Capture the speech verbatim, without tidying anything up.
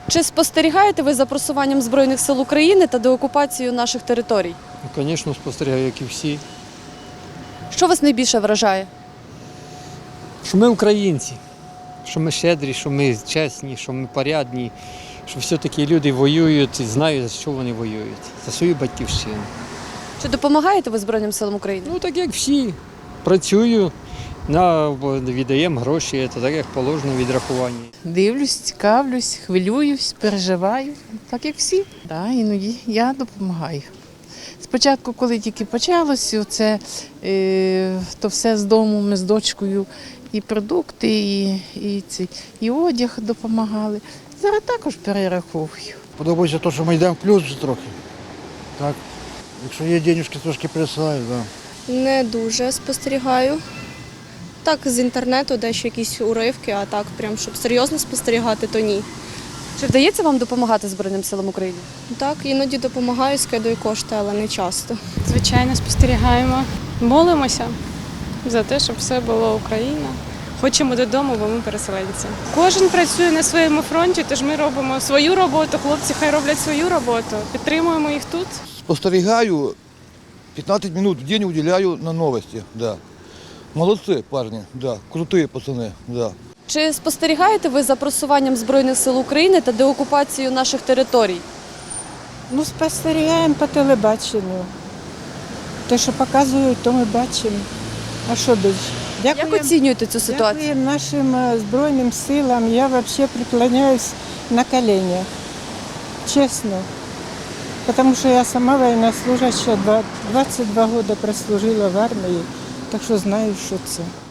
Чи спостерігаєте ви за просуванням Збройних сил України та деокупацією наших територій? Ну, звісно, спостерігаю, як і всі. Що вас найбільше вражає? Що ми українці, що ми щедрі, що ми чесні, що ми порядні, що все-таки люди воюють і знають, за що вони воюють. За свою батьківщину. Чи допомагаєте ви Збройним силам України? Ну, так як всі. Працюю, на, віддаємо гроші, це так як положено відрахування. Дивлюсь, цікавлюсь, хвилююсь, переживаю, так як всі. Да, іноді я допомагаю. Спочатку, коли тільки почалося, це, е, то все з дому ми з дочкою і продукти, і, і, ці, і одяг допомагали. Зараз також перераховую. Подобається те, що ми йдемо в плюс вже трохи. Так. Якщо є денежки, трошки присилаю, так. Да. Не дуже спостерігаю. Так, з інтернету дещо якісь уривки, а так, прям, щоб серйозно спостерігати, то ні. Чи вдається вам допомагати Збройним силам України? Так, іноді допомагаю, скидаю кошти, але не часто. Звичайно, спостерігаємо. Молимося за те, щоб все було Україна. Хочемо додому, бо ми переселенці. Кожен працює на своєму фронті, тож ми робимо свою роботу, хлопці хай роблять свою роботу. Підтримуємо їх тут. Спостерігаю, п'ятнадцять минут в день уделяю на новості. Да. Молодці парні, да. Круті пацани. Да. Чи спостерігаєте ви за просуванням Збройних сил України та деокупацією наших територій? Ну, спостерігаємо по телебаченню. Те, що показують, то ми бачимо. А що більше? Як оцінюєте цю ситуацію? Дякуємо нашим е, Збройним силам. Я взагалі преклоняюсь на коленях. Чесно. Тому що я сама военнослужащая, двадцять два роки прослужила в армії, так що знаю, що це.